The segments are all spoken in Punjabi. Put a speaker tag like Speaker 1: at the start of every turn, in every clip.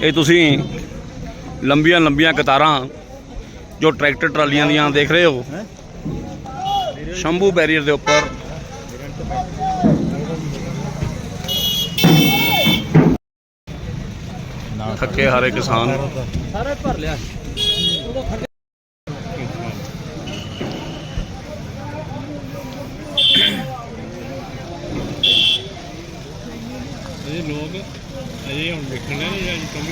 Speaker 1: ਇਹ ਤੁਸੀਂ ਲੰਬੀਆਂ ਲੰਬੀਆਂ ਕਤਾਰਾਂ ਜੋ ਟਰੈਕਟਰ ਟਰਾਲੀਆਂ ਦੀਆਂ ਦੇਖ ਰਹੇ ਹੋ ਸ਼ੰਭੂ ਬੈਰੀਅਰ ਦੇ ਉੱਪਰ। ਥੱਕੇ ਹਾਰੇ ਕਿਸਾਨ
Speaker 2: ਸਾਰਾ ਭਰ ਲਿਆ। ਇਹ ਲੋਕ ਅਜੇ ਹੁਣ ਦੇਖਣ ਨਹੀਂ ਜਾਂ ਕੰਮ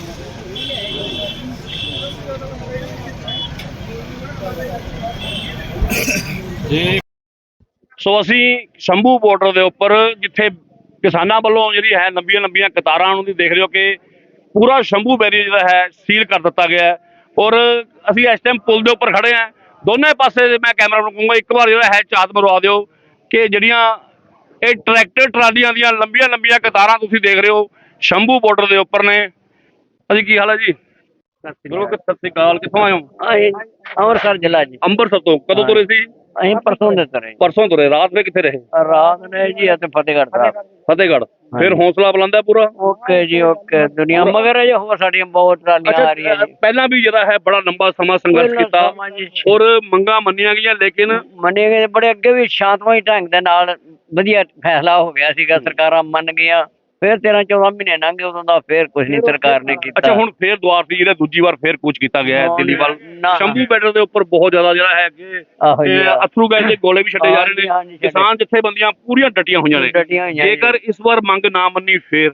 Speaker 1: ਜੀ। ਸੋ ਅਸੀਂ ਸ਼ੰਭੂ ਬਾਰਡਰ ਦੇ ਉੱਪਰ ਜਿੱਥੇ ਕਿਸਾਨਾਂ ਵੱਲੋਂ ਜਿਹੜੀ ਹੈ ਲੰਬੀਆਂ ਲੰਬੀਆਂ ਕਤਾਰਾਂ ਨੂੰ ਦੇਖ ਰਹੇ ਹੋ ਕਿ ਪੂਰਾ ਸ਼ੰਭੂ ਬੈਰੀਅਰ ਜਿਹੜਾ ਹੈ ਸੀਲ ਕਰ ਦਿੱਤਾ ਗਿਆ ਹੈ ਔਰ ਅਸੀਂ ਇਸ ਟਾਈਮ ਪੁਲ ਦੇ ਉੱਪਰ ਖੜੇ ਹਾਂ। ਦੋਨੇ ਪਾਸੇ ਮੈਂ ਕੈਮਰਾ ਨੂੰ ਕਹੂੰਗਾ ਇੱਕ ਵਾਰ ਜਿਹੜਾ ਹੈ ਝਾਤ ਮਰਵਾ ਦਿਓ ਕਿ ਜਿਹੜੀਆਂ ਇਹ ਟਰੈਕਟਰ ਟਰਾਲੀਆਂ ਦੀਆਂ ਲੰਬੀਆਂ ਲੰਬੀਆਂ ਕਤਾਰਾਂ ਤੁਸੀਂ ਦੇਖ ਰਹੇ ਹੋ ਸ਼ੰਭੂ ਬਾਰਡਰ ਦੇ ਉੱਪਰ ਨੇ। ਅਸੀਂ ਕੀ ਹਾਲ ਹੈ ਜੀ? ਸਤਿ ਸ਼੍ਰੀ ਅਕਾਲ। ਕਿੱਥੋਂ ਆਏ ਹੋ?
Speaker 2: ਅੰਮ੍ਰਿਤਸਰ ਜ਼ਿਲ੍ਹਾ ਜੀ।
Speaker 1: ਅੰਮ੍ਰਿਤਸਰ ਤੋਂ ਕਦੋਂ ਤੁਰੇ ਸੀ?
Speaker 2: ਅਸੀਂ ਪਰਸੋਂ ਦੇ ਤੁਰੇ।
Speaker 1: ਪਰਸੋਂ ਤੁਰੇ। ਰਾਤ ਵਿੱਚ ਕਿੱਥੇ ਰਹੇ?
Speaker 2: ਰਾਤ ਨੇ ਜੀ ਅਤੇ ਫਤਿਹਗੜ੍ਹ ਸਾਹਿਬ।
Speaker 1: ਫਤਿਹਗੜ੍ਹ। ਫਿਰ ਹੌਸਲਾ ਬੁਲੰਦ ਹੈ ਪੂਰਾ?
Speaker 2: ਓਕੇ ਜੀ ਓਕੇ। ਦੁਨੀਆ ਮਗਰ ਜੇ ਹੋਰ ਸਾਡੀਆਂ ਬਹੁਤ ਟਰਾਲੀਆਂ ਆ ਰਹੀਆਂ ਜੀ।
Speaker 1: ਪਹਿਲਾਂ ਵੀ ਜਿਹੜਾ ਹੈ ਬੜਾ ਲੰਬਾ ਸਮਾਂ ਸੰਘਰਸ਼ ਕੀਤਾ ਔਰ ਮੰਗਾਂ ਮੰਨੀਆਂ ਗਈਆਂ ਲੇਕਿਨ
Speaker 2: ਮੰਨੇ ਗਏ ਬੜੇ ਅੱਗੇ ਵੀ ਸ਼ਾਂਤਮਈ ਢੰਗ ਦੇ ਨਾਲ ਵਧੀਆ ਫੈਸਲਾ ਹੋ ਗਿਆ ਸੀਗਾ। ਸਰਕਾਰਾਂ ਮੰਨ ਗਈਆਂ। ਫਿਰ 13-14 ਮਹੀਨੇ ਲੰਘੇ ਉਦੋਂ ਦਾ ਫਿਰ ਕੁਝ ਨਹੀਂ ਸਰਕਾਰ ਨੇ ਕੀਤਾ।
Speaker 1: ਅੱਛਾ ਹੁਣ ਫਿਰ ਦੁਆਰ ਸੀ ਜਿਹੜਾ ਦੂਜੀ ਵਾਰ ਫਿਰ ਕੂਚ ਕੀਤਾ ਗਿਆ ਹੈ ਦਿੱਲੀ ਵੱਲ। ਸ਼ੰਭੂ ਬਾਰਡਰ ਦੇ ਉੱਪਰ ਬਹੁਤ ਜ਼ਿਆਦਾ ਜਿਹੜਾ ਹੈ ਕਿ ਅਥਰੂ ਗੈਸ ਦੇ ਗੋਲੇ ਵੀ ਛੱਡੇ ਜਾ ਰਹੇ ਨੇ। ਕਿਸਾਨ ਜਥੇਬੰਦੀਆਂ ਪੂਰੀਆਂ ਡਟੀਆਂ ਹੋਈਆਂ ਨੇ। ਜੇਕਰ ਇਸ ਵਾਰ ਮੰਗ ਨਾ ਮੰਨੀ ਫਿਰ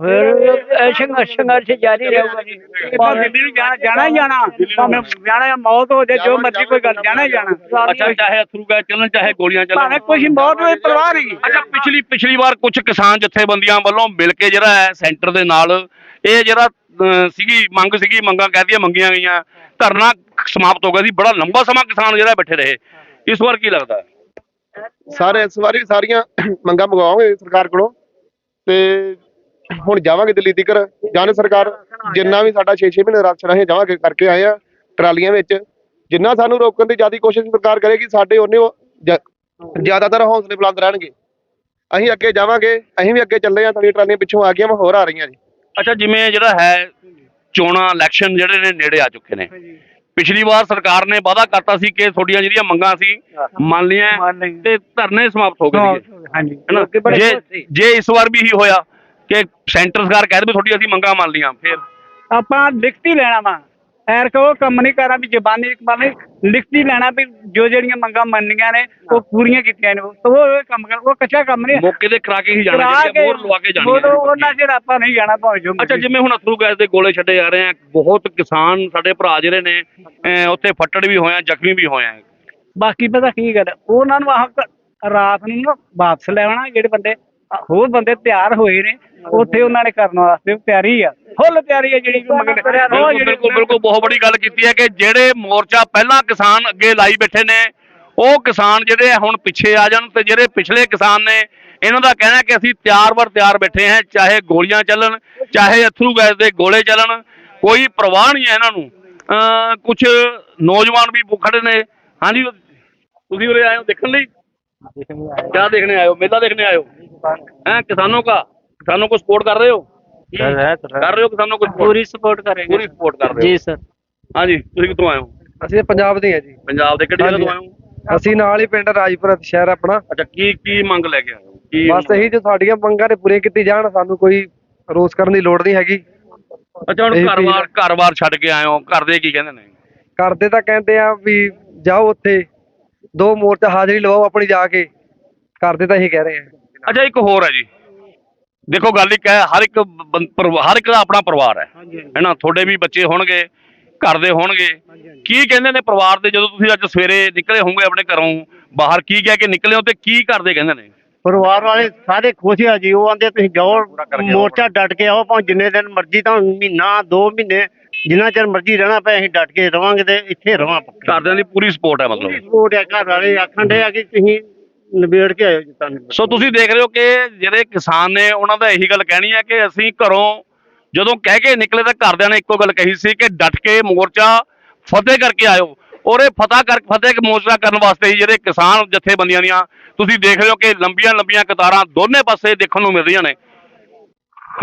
Speaker 2: ਸੰਘਰਸ਼ ਜਾਰੀ ਰਹੂਗਾ ਜੀ। ਦਿੱਲੀ ਨੂੰ ਜਾਣਾ ਹੀ ਜਾਣਾ। ਭਾਵੇਂ ਜਾਣਾ ਮੌਤ ਹੋ ਜਾਏ ਜੋ ਮਰਜ਼ੀ ਕੋਈ ਗੱਲ ਜਾਣਾ ਹੀ ਜਾਣਾ।
Speaker 1: ਅੱਛਾ ਚਾਹੇ ਅਥਰੂ ਗੈਸ ਚੱਲਣ ਚਾਹੇ ਗੋਲੀਆਂ ਚੱਲਣ
Speaker 2: ਭਾਵੇਂ ਕੁਛ ਬਹੁਤ ਪਰਵਾਹ ਨਹੀਂ।
Speaker 1: ਅੱਛਾ ਪਿਛਲੀ ਵਾਰ ਕੁਝ ਕਿਸਾਨ ਜਥੇਬੰਦੀਆਂ ਵੱਲੋਂ ਮਿਲ ਕੇ ਜਿਹੜਾ ਹੈ ਸੈਂਟਰ ਦੇ ਨਾਲ ਇਹ ਜਿਹੜਾ ਸੀਗੀ ਮੰਗਾਂ ਕਹਿਦੀਆਂ ਮੰਗੀਆਂ ਗਈਆਂ ਧਰਨਾ ਸਮਾਪਤ ਹੋ ਗਿਆ ਸੀ। ਬੜਾ ਲੰਬਾ ਸਮਾਂ ਕਿਸਾਨ ਜਿਹੜਾ ਬੈਠੇ ਰਹੇ। ਇਸ ਵਾਰ ਕੀ ਲੱਗਦਾ?
Speaker 3: ਸਾਰੇ ਇਸ ਵਾਰੀ ਸਾਰੀਆਂ ਮੰਗਾਂ ਮੰਗਵਾਵਾਂਗੇ ਸਰਕਾਰ ਕੋਲੋਂ ਤੇ ਹੁਣ ਜਾਵਾਂਗੇ ਦਿੱਲੀ ਤੀਕਰ। ਜਾਨ ਸਰਕਾਰ ਜਿੰਨਾ ਵੀ ਸਾਡਾ 6-6 ਮਹੀਨੇ ਰਾਸ਼ਨ ਅਸੀਂ ਜਮ੍ਹਾਂ ਕਰਕੇ ਆਏ ਆ ਟਰਾਲੀਆਂ ਵਿੱਚ ਜਿੰਨਾ ਸਾਨੂੰ ਰੋਕਣ ਦੀ ਜ਼ਿਆਦਾ ਕੋਸ਼ਿਸ਼ ਸਰਕਾਰ ਕਰੇਗੀ ਸਾਡੇ ਉਹਨੇ ਜ਼ਿਆਦਾਤਰ ਹੌਸਲੇ ਬੁਲੰਦ ਰਹਿਣਗੇ। ਅਸੀਂ ਅੱਗੇ ਜਾਵਾਂਗੇ। ਅਸੀਂ ਵੀ ਅੱਗੇ ਚੱਲੇ ਆ। ਸਾਡੀਆਂ ਟਰਾਲੀਆਂ ਪਿੱਛੋਂ ਆ ਗਈਆਂ ਹੋਰ ਆ ਰਹੀਆਂ ਜੀ।
Speaker 1: ਅੱਛਾ ਜਿਵੇਂ ਜਿਹੜਾ ਹੈ ਚੋਣਾਂ ਇਲੈਕਸ਼ਨ ਜਿਹੜੇ ਨੇ ਨੇੜੇ ਆ ਚੁੱਕੇ ਨੇ। ਪਿਛਲੀ ਵਾਰ ਸਰਕਾਰ ਨੇ ਵਾਅਦਾ ਕਰਤਾ ਸੀ ਕਿ ਤੁਹਾਡੀਆਂ ਜਿਹੜੀਆਂ ਮੰਗਾਂ ਸੀ ਮੰਨ ਲਈਆਂ ਤੇ ਧਰਨੇ ਸਮਾਪਤ ਹੋ ਗਏ। ਜੇ ਇਸ ਵਾਰ ਵੀ ਇਹੀ ਹੋਇਆ ਕਿ ਸੈਂਟਰ ਸਰਕਾਰ ਕਹਿ ਦੇ ਤੁਹਾਡੀ ਅਸੀਂ ਮੰਗਾਂ ਮੰਨ ਲਈਆਂ ਫਿਰ
Speaker 2: ਆਪਾਂ ਲਿਖਤੀ ਲੈਣਾ ਵਾ। ਐਰ ਕੋ ਕੰਮ ਨਹੀਂ ਕਰਨਾ ਵੀ ਜ਼ਬਾਨੀ ਲਿਖਤੀ ਲੈਣਾ ਵੀ ਜੋ ਜਿਹੜੀਆਂ ਮੰਗਾਂ ਮੰਨੀਆਂ ਨੇ ਉਹ ਪੂਰੀਆਂ ਕੀਤੀਆਂ ਨੇ। ਉਹ ਕੰਮ ਕਰ ਉਹ ਕੱਚਾ ਕੰਮ ਨਹੀਂ।
Speaker 1: ਮੌਕੇ ਤੇ ਕਰਾ ਕੇ ਹੀ ਜਾਣਾ ਮੋਹਰ ਲਵਾ ਕੇ ਜਾਣੀ
Speaker 2: ਉਹਨਾਂ ਚਿਰ ਆਪਾਂ ਨਹੀਂ ਜਾਣਾ ਭਾਵੇਂ ਜੋ।
Speaker 1: ਅੱਛਾ ਜਿਵੇਂ ਹੁਣ ਅਥਰੂ ਗੈਸ ਦੇ ਗੋਲੇ ਛੱਡੇ ਜਾ ਰਹੇ ਆ ਬਹੁਤ ਕਿਸਾਨ ਸਾਡੇ ਭਰਾ ਜਿਹੜੇ ਨੇ ਉੱਥੇ ਫੱਟੜ ਵੀ ਹੋਏ ਆ ਜ਼ਖਮੀ ਵੀ ਹੋਏ ਆ।
Speaker 2: ਬਾਕੀ ਪਤਾ ਕੀ ਗੱਲ ਉਹਨਾਂ ਨੂੰ ਰਾਤ ਨੂੰ ਨਾ ਵਾਪਸ ਲੈਣਾ ਜਿਹੜੇ ਬੰਦੇ ਹੋਰ ਬੰਦੇ ਤਿਆਰ ਹੋਏ ਨੇ ਉੱਥੇ ਉਹਨਾਂ ਨੇ ਕਰਨ ਵਾਸਤੇ ਤਿਆਰੀ ਆ ਫੁੱਲ ਤਿਆਰੀ ਆ ਜਿਹੜੀ
Speaker 1: ਬਿਲਕੁਲ ਬਹੁਤ ਬੜੀ ਗੱਲ ਕੀਤੀ ਹੈ ਕਿ ਜਿਹੜੇ ਮੋਰਚਾ ਪਹਿਲਾਂ ਕਿਸਾਨ ਅੱਗੇ ਲਾਈ ਬੈਠੇ ਨੇ ਉਹ ਕਿਸਾਨ ਜਿਹੜੇ ਹੁਣ ਪਿੱਛੇ ਆ ਜਾਣ ਤੇ ਜਿਹੜੇ ਪਿਛਲੇ ਕਿਸਾਨ ਨੇ ਇਹਨਾਂ ਦਾ ਕਹਿਣਾ ਕਿ ਅਸੀਂ ਤਿਆਰ ਬੈਠੇ ਹਾਂ ਚਾਹੇ ਗੋਲੀਆਂ ਚੱਲਣ ਚਾਹੇ ਅਥਰੂ ਗੈਸ ਦੇ ਗੋਲੇ ਚੱਲਣ ਕੋਈ ਪਰਵਾਹ ਨਹੀਂ ਹੈ ਇਹਨਾਂ ਨੂੰ। ਕੁਝ ਨੌਜਵਾਨ ਵੀ ਖੜੇ ਨੇ। ਹਾਂਜੀ ਤੁਸੀਂ ਉਰੇ ਆਏ ਹੋ ਦੇਖਣ ਲਈ? क्या देखने आए हो? मेला देखने आए हो? हैं किसानों को सपोर्ट कर रहे हो? कर रहे हो किसानों को?
Speaker 2: पूरी सपोर्ट करेंगे।
Speaker 1: पूरी सपोर्ट कर रहे हो?
Speaker 2: जी सर।
Speaker 1: हाँ जी ਤੁਸੀਂ ਕਿੱਥੋਂ ਆਏ ਹੋ?
Speaker 4: ਅਸੀਂ ਪੰਜਾਬ ਦੇ ਹਾਂ ਜੀ।
Speaker 1: ਪੰਜਾਬ ਦੇ ਕਿਹੜੀ ਜਗ੍ਹਾ ਤੋਂ ਆਏ ਹੋ?
Speaker 4: ਅਸੀਂ ਨਾਲ ਹੀ ਪਿੰਡ ਰਾਜਪੁਰਾ ਸ਼ਹਿਰ ਆਪਣਾ।
Speaker 1: ਅੱਛਾ ਕੀ ਮੰਗ ਲੈ ਕੇ ਆਏ ਹੋ? ਕੀ
Speaker 4: ਬਸ ਇਹੀ ਜੋ ਸਾਡੀਆਂ ਮੰਗਾਂ ਨੇ ਪੂਰੀਆਂ ਕੀਤੀ ਜਾਣ ਸਾਨੂੰ ਕੋਈ ਰੋਸ ਕਰਨ ਦੀ ਲੋੜ ਨਹੀਂ ਹੈਗੀ।
Speaker 1: ਅੱਛਾ ਹੁਣ ਘਰ-ਬਾਰ ਛੱਡ ਕੇ ਆਏ ਹੋ ਘਰ ਦੇ ਕੀ ਕਹਿੰਦੇ ਨੇ?
Speaker 4: ਕਰਦੇ ਤਾਂ ਕਹਿੰਦੇ ਆ ਵੀ ਜਾਓ ਉੱਥੇ 2 ਮੋਰਚਾ ਹਾਜ਼ਰੀ ਲਵਾਓ ਆਪਣੀ ਜਾ ਕੇ। ਕਰਦੇ ਤਾਂ ਇਹੀ ਕਹਿ ਰਹੇ ਆ।
Speaker 1: ਅੱਛਾ ਇੱਕ ਹੋਰ ਹੈ ਜੀ ਦੇਖੋ ਗੱਲ ਇੱਕ ਹੈ ਹਰ ਇੱਕ ਦਾ ਆਪਣਾ ਪਰਿਵਾਰ ਹੈ ਨਾ। ਤੁਹਾਡੇ ਵੀ ਬੱਚੇ ਹੋਣਗੇ ਘਰ ਦੇ ਹੋਣਗੇ। ਕੀ ਕਹਿੰਦੇ ਨੇ ਪਰਿਵਾਰ ਦੇ ਜਦੋਂ ਤੁਸੀਂ ਅੱਜ ਸਵੇਰੇ ਨਿਕਲੇ ਹੋਵੋਗੇ ਆਪਣੇ ਘਰੋਂ ਬਾਹਰ ਕੀ ਕਹਿ ਕੇ ਨਿਕਲੇ ਹੋ ਤੇ ਕੀ ਕਰਦੇ ਕਹਿੰਦੇ ਨੇ?
Speaker 5: ਪਰਿਵਾਰ ਵਾਲੇ ਸਾਰੇ ਖੁਸ਼ ਆ ਜੀ। ਉਹ ਆਂਦੇ ਤੁਸੀਂ ਜਾਓ ਮੋਰਚਾ ਡਟ ਕੇ ਆਓ ਭਾਵੇਂ ਜਿੰਨੇ ਦਿਨ ਮਰਜ਼ੀ ਤਾਂ ਮਹੀਨਾ 2 ਮਹੀਨੇ ਜਿੰਨਾ ਚਿਰ ਮਰਜ਼ੀ ਰਹਿਣਾ ਪਏ ਅਸੀਂ ਡਟ ਕੇ ਰਵਾਂਗੇ ਤੇ ਇੱਥੇ ਰਵਾਂ।
Speaker 1: ਘਰਦਿਆਂ ਦੀ ਪੂਰੀ ਸਪੋਰਟ ਹੈ ਮਤਲਬ?
Speaker 5: ਸਪੋਰਟ ਹੈ। ਘਰ ਵਾਲੇ ਆਖਣ ਦੇ ਆ ਕਿ ਤੁਸੀਂ ਨਿਬੇੜ ਕੇ ਆਇਓ ਜੀ ਤੁਹਾਨੂੰ।
Speaker 1: ਸੋ ਤੁਸੀਂ ਦੇਖ ਰਹੇ ਹੋ ਕਿ ਜਿਹੜੇ ਕਿਸਾਨ ਨੇ ਉਹਨਾਂ ਦਾ ਇਹੀ ਗੱਲ ਕਹਿਣੀ ਹੈ ਕਿ ਅਸੀਂ ਘਰੋਂ ਜਦੋਂ ਕਹਿ ਕੇ ਨਿਕਲੇ ਤਾਂ ਘਰਦਿਆਂ ਨੇ ਇੱਕੋ ਗੱਲ ਕਹੀ ਸੀ ਕਿ ਡਟ ਕੇ ਮੋਰਚਾ ਫਤਿਹ ਕਰਕੇ ਆਇਓ। ਔਰ ਇਹ ਫਤਿਹ ਮੋਰਚਾ ਕਰਨ ਵਾਸਤੇ ਹੀ ਜਿਹੜੇ ਕਿਸਾਨ ਜਥੇਬੰਦੀਆਂ ਦੀਆਂ ਤੁਸੀਂ ਦੇਖ ਰਹੇ ਹੋ ਕਿ ਲੰਬੀਆਂ ਕਤਾਰਾਂ ਦੋਨੇ ਪਾਸੇ ਦੇਖਣ ਨੂੰ ਮਿਲ ਰਹੀਆਂ ਨੇ। ਹਾਂਜੀ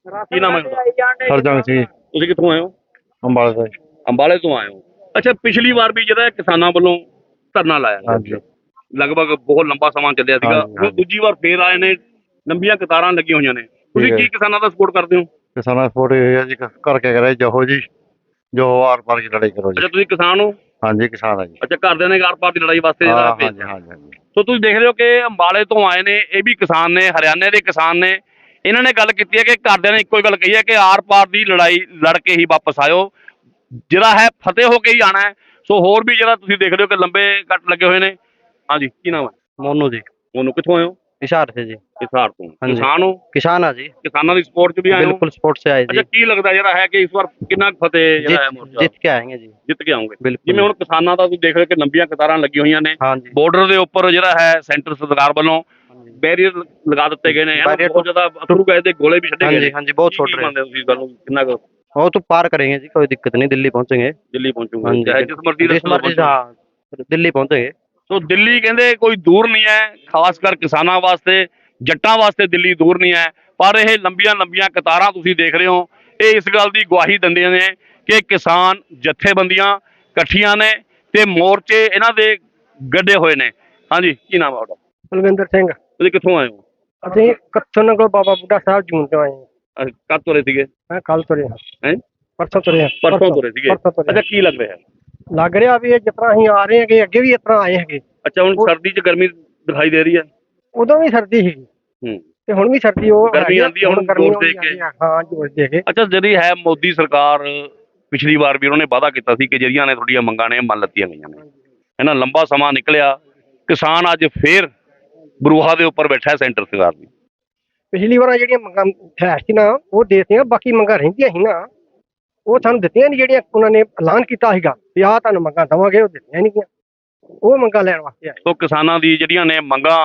Speaker 1: ਕੀ ਨਾਮ ਹੈ ਤੁਹਾਡਾ?
Speaker 6: ਹਰਜੰਗ ਸਿੰਘ
Speaker 1: ਤੁਸੀਂ ਕਿੱਥੋਂ ਆਏ ਹੋ?
Speaker 6: ਅੰਬਾਲਾ ਤੋਂ।
Speaker 1: ਅੰਬਾਲੇ ਤੋਂ ਆਏ ਹੋ। ਅੱਛਾ, ਪਿਛਲੀ ਵਾਰ ਵੀ ਜਿਹੜਾ ਕਿਸਾਨਾਂ ਵੱਲੋਂ ਧਰਨਾ ਲਾਇਆ
Speaker 6: ਹਾਂਜੀ
Speaker 1: ਲਗਭਗ ਬਹੁਤ ਲੰਬਾ ਸਮਾਂ ਚੱਲਿਆ ਸੀਗਾ,
Speaker 6: ਹਾਂਜੀ,
Speaker 1: ਹੁਣ ਦੂਜੀ ਵਾਰ ਫੇਰ ਆਏ ਨੇ, ਲੰਬੀਆਂ ਕਤਾਰਾਂ ਲੱਗੀਆਂ ਹੋਈਆਂ ਨੇ, ਤੁਸੀਂ
Speaker 6: ਠੀਕ ਹੈ।
Speaker 1: ਕੀ ਕਿਸਾਨਾਂ ਦਾ ਸਪੋਰਟ ਕਰਦੇ ਹੋ?
Speaker 6: ਕਿਸਾਨਾਂ ਦਾ ਸਪੋਰਟ ਇਹ ਹੈ ਜੀ ਕਰਕੇ ਕਰੇ ਜਹੋ ਜੀ ਜੋ ਆਰ ਪਾਰ ਕੀ ਲੜਾਈ ਕਰੋ ਜੀ।
Speaker 1: ਅੱਛਾ, ਤੁਸੀਂ ਕਿਸਾਨ ਹੋ?
Speaker 6: ਹਾਂਜੀ ਕਿਸਾਨ ਆ ਜੀ।
Speaker 1: ਅੱਛਾ, ਘਰਦਿਆਂ ਨੇ ਆਰ ਪਾਰ ਦੀ ਲੜਾਈ ਵਾਸਤੇ ਜਿਹੜਾ
Speaker 6: ਹਾਂਜੀ
Speaker 1: ਭੇਜਿਆ।
Speaker 6: ਹਾਂਜੀ ਹਾਂਜੀ
Speaker 1: ਸੋ ਤੁਸੀਂ ਦੇਖ ਰਹੇ ਹੋ ਕਿ ਅੰਬਾਲੇ ਤੋਂ ਆਏ ਨੇ, ਇਹ ਵੀ ਕਿਸਾਨ ਨੇ, ਹਰਿਆਣੇ ਦੇ ਕਿਸਾਨ ਨੇ। ਇਹਨਾਂ ਨੇ ਗੱਲ ਕੀਤੀ ਹੈ ਕਿ ਘਰਦਿਆਂ ਨੇ ਇੱਕੋ ਹੀ ਗੱਲ ਕਹੀ ਹੈ ਕਿ ਆਰ ਪਾਰ ਦੀ ਲੜਾਈ ਲੜ ਕੇ ਹੀ ਵਾਪਸ ਆਇਓ, ਜਿਹੜਾ ਹੈ ਫਤਿਹ ਹੋ ਕੇ ਹੀ ਆਣਾ ਹੈ। ਸੋ ਹੋਰ ਵੀ ਜਿਹੜਾ ਤੁਸੀਂ ਦੇਖ ਰਹੇ ਹੋ ਕਿ ਲੰਬੇ ਕੱਟ ਲੱਗੇ ਹੋਏ ਨੇ। ਹਾਂਜੀ, ਕੀ ਨਾਮ ਹੈ?
Speaker 4: ਮੋਨੂ ਜੀ,
Speaker 1: ਉਹਨੂੰ ਕਿੱਥੋਂ ਆਏ ਹੋ?
Speaker 4: ਇਸ਼ਾਰ ਸੇ ਜੀ।
Speaker 1: ਹਿਸਾਰ ਤੋਂ।
Speaker 4: ਹਾਂਜੀ।
Speaker 1: ਕਿਸਾਨ ਹੋ?
Speaker 4: किसान है जी,
Speaker 1: ਕਿਸਾਨਾਂ ਦੀ ਸਪੋਰਟ 'ਚ ਵੀ ਆਏ ਹੋ?
Speaker 4: बिल्कुल स्पोर्ट से आए
Speaker 1: ਅੱਛਾ,
Speaker 4: जी।
Speaker 1: ਕੀ ਲੱਗਦਾ ਜਿਹੜਾ ਹੈ ਕਿ ਇਸ ਵਾਰ ਕਿੰਨਾ ਕੁ ਫਤਿਹ ਜਿਹੜਾ ਹੈ ਮੋਰਚਾ
Speaker 4: जीत के आएंगे जी।
Speaker 1: ਜਿੱਤ ਕੇ ਆਉਂਗੇ?
Speaker 4: बिल्कुल।
Speaker 1: ਜਿਵੇਂ ਹੁਣ ਕਿਸਾਨਾਂ ਦਾ ਤੁਸੀਂ ਦੇਖ ਰਹੇ ਹੋ ਕਿ ਲੰਬੀਆਂ ਕਤਾਰਾਂ ਲੱਗੀਆਂ ਹੋਈਆਂ ਨੇ,
Speaker 4: हाँ जी।
Speaker 1: ਬਾਰਡਰ ਦੇ ਉੱਪਰ ਜਿਹੜਾ ਹੈ ਸੈਂਟਰ ਸਰਕਾਰ ਵੱਲੋਂ ਬੈਰੀਅਰ ਲਗਾ ਦਿੱਤੇ ਗਏ ਨੇ, ਇਹਨਾਂ
Speaker 4: Barrier
Speaker 1: ਬਹੁਤ ਜ਼ਿਆਦਾ ਅਥਰੂ ਗਏ ਤੇ ਗੋਲੇ ਵੀ ਛੱਡੇ
Speaker 4: हाँ
Speaker 1: ਗਏ
Speaker 4: जी
Speaker 1: ਨੇ।
Speaker 4: हाँ जी, बहुत
Speaker 1: ਕੀ
Speaker 4: छोड़ रहे हैं।
Speaker 1: ਮੰਨਦੇ ਹੋ ਤੁਸੀਂ ਗੱਲ ਨੂੰ? ਕਿੰਨਾ ਕੁ
Speaker 4: वो तो पार करेंगे जी, कोई दिक्कत नहीं, दिल्ली पहुंचेंगे।
Speaker 1: ਦਿੱਲੀ
Speaker 4: हाँ
Speaker 1: ਪਹੁੰਚੂਗੇ?
Speaker 4: जी,
Speaker 1: ਚਾਹੇ ਜਿਸ ਮਰਜ਼ੀ
Speaker 4: जिस मर्जी से, हाँ दिल्ली पहुंचेंगे।
Speaker 1: ਸੋ ਦਿੱਲੀ ਕਹਿੰਦੇ ਕੋਈ ਦੂਰ ਨਹੀਂ ਹੈ, ਖਾਸ ਕਰ ਕਿਸਾਨਾਂ ਵਾਸਤੇ, ਜੱਟਾਂ ਵਾਸਤੇ ਦਿੱਲੀ ਦੂਰ ਨਹੀਂ ਹੈ। ਪਰ ਇਹ ਲੰਬੀਆਂ ਲੰਬੀਆਂ ਕਤਾਰਾਂ ਤੁਸੀਂ ਦੇਖ ਰਹੇ ਹੋ, ਇਹ ਇਸ ਗੱਲ ਦੀ ਗਵਾਹੀ ਦਿੰਦੀਆਂ ਨੇ ਕਿ ਕਿਸਾਨ ਜਥੇਬੰਦੀਆਂ ਇਕੱਠੀਆਂ ਨੇ ਤੇ ਮੋਰਚੇ ਇਹਨਾਂ ਦੇ ਗੱਡੇ ਹੋਏ ਨੇ। ਹਾਂਜੀ, ਕੀ ਨਾਮ ਹੈ ਤੁਹਾਡਾ?
Speaker 4: ਬਲਵਿੰਦਰ ਸਿੰਘ।
Speaker 1: ਤੁਸੀਂ ਕਿੱਥੋਂ ਆਏ ਹੋ?
Speaker 4: ਅਸੀਂ ਕੱਥੋਂ ਕੋਲ ਬਾਬਾ ਬੁੱਢਾ ਸਾਹਿਬ ਜੂਨ ਤੋਂ ਆਏ ਹਾਂ।
Speaker 1: ਕਦ ਤੁਰੇ ਸੀਗੇ?
Speaker 4: ਮੈਂ ਕੱਲ ਤੁਰੇ ਹਾਂ।
Speaker 1: ਹੈਂ?
Speaker 4: ਪਰਸੋਂ ਤੁਰੇ ਹਾਂ।
Speaker 1: ਪਰਸੋਂ ਤੁਰੇ ਸੀਗੇ?
Speaker 4: ਪਰਸੋਂ ਤੁਰੇ
Speaker 1: ਅੱਛਾ, ਕੀ ਲੱਗ ਰਿਹਾ?
Speaker 4: ਲੱਗ ਰਿਹਾ ਵੀ ਇਹ ਜਿਸ ਤਰ੍ਹਾਂ ਅਸੀਂ ਆ ਰਹੇ ਹੈਗੇ, ਅੱਗੇ ਵੀ ਇਸ ਤਰ੍ਹਾਂ ਆਏ ਹੈਗੇ।
Speaker 1: ਅੱਛਾ, ਹੁਣ ਸਰਦੀ 'ਚ ਗਰਮੀ ਦਿਖਾਈ ਦੇ ਰਹੀ ਹੈ।
Speaker 4: ਉਦੋਂ ਵੀ ਸਰਦੀ ਸੀਗੀ
Speaker 1: ਹੂੰ।
Speaker 4: ਤੇ ਹੁਣ ਵੀ ਸਰਦੀ ਉਹ
Speaker 1: ਗਰਮੀ
Speaker 4: ਹੈਗੀ ਆ,
Speaker 1: ਆਉਂਦੀ ਹੈ, ਹੁਣ
Speaker 4: ਗਰਮੀ
Speaker 1: ਜ਼ੋਰ ਦੇ
Speaker 4: ਆਉਂਦੀ
Speaker 1: ਕੇ।
Speaker 4: ਹੈ। ਹਾਂ ਜ਼ੋਰ ਦੇ ਕੇ।
Speaker 1: ਅੱਛਾ, ਜਿਹੜੀ ਹੈ ਮੋਦੀ ਸਰਕਾਰ, ਪਿਛਲੀ ਵਾਰ ਵੀ ਉਹਨਾਂ ਨੇ ਵਾਅਦਾ ਕੀਤਾ ਸੀ ਕਿ ਜਿਹੜੀਆਂ ਨੇ ਤੁਹਾਡੀਆਂ ਮੰਗਾਂ ਨੇ ਮੰਨ ਲੱਤੀਆਂ ਗਈਆਂ ਨੇ। ਇਹਨਾਂ ਲੰਬਾ ਸਮਾਂ ਨਿਕਲਿਆ, ਕਿਸਾਨ ਅੱਜ ਫੇਰ ਬਰੂਹਾ ਦੇ ਉੱਪਰ ਬੈਠਾ ਹੈ ਸੈਂਟਰ ਸਰਕਾਰ ਦੀ।
Speaker 4: ਪਿਛਲੀ ਵਾਰ ਜਿਹੜੀਆਂ ਮੰਗਾਂ ਹੈ ਸੀ ਨਾ, ਉਹ ਦੇਤੀਆਂ, ਬਾਕੀ ਮੰਗਾਂ ਰਹਿੰਦੀਆਂ ਸੀ ਨਾ, ਉਹ ਸਾਨੂੰ ਦਿੱਤੀਆਂ ਨਹੀਂ। ਜਿਹੜੀਆਂ ਉਹਨਾਂ ਨੇ ਐਲਾਨ ਕੀਤਾ ਸੀਗਾ ਵੀ ਆਹ ਤੁਹਾਨੂੰ ਮੰਗਾਂ ਦੇਵਾਂਗੇ, ਉਹ ਦਿੱਤੀਆਂ ਨਹੀਂ ਗਈਆਂ। ਉਹ ਮੰਗਾਂ ਲੈਣ ਵਾਸਤੇ ਆਏ।
Speaker 1: ਸੋ ਕਿਸਾਨਾਂ ਦੀ ਜਿਹੜੀਆਂ ਨੇ ਮੰਗਾਂ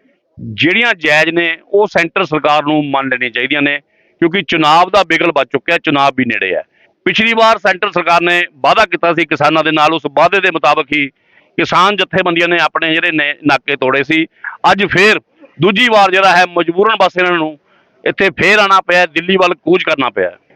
Speaker 1: ਜਿਹੜੀਆਂ ਜਾਇਜ਼ ਨੇ, ਉਹ ਸੈਂਟਰ ਸਰਕਾਰ ਨੂੰ ਮੰਨ ਲੈਣੀਆਂ ਚਾਹੀਦੀਆਂ ਨੇ, ਕਿਉਂਕਿ ਚੁਣਾਵ ਦਾ ਬਿਗਲ ਵੱਜ ਚੁੱਕਿਆ, ਚੁਣਾਵ ਵੀ ਨੇੜੇ ਹੈ। ਪਿਛਲੀ ਵਾਰ ਸੈਂਟਰ ਸਰਕਾਰ ਨੇ ਵਾਅਦਾ ਕੀਤਾ ਸੀ ਕਿਸਾਨਾਂ ਦੇ ਨਾਲ, ਉਸ ਵਾਅਦੇ ਦੇ ਮੁਤਾਬਕ ਹੀ ਕਿਸਾਨ ਜਥੇਬੰਦੀਆਂ ਨੇ ਆਪਣੇ ਜਿਹੜੇ ਨੇ ਨਾਕੇ ਤੋੜੇ ਸੀ। ਅੱਜ ਫੇਰ ਦੂਜੀ ਵਾਰ ਜਿਹੜਾ ਹੈ ਮਜਬੂਰਨ ਬਸ ਇਹਨਾਂ ਨੂੰ ਇੱਥੇ ਫੇਰ ਆਉਣਾ ਪਿਆ, ਦਿੱਲੀ ਵੱਲ ਕੂਚ ਕਰਨਾ ਪਿਆ।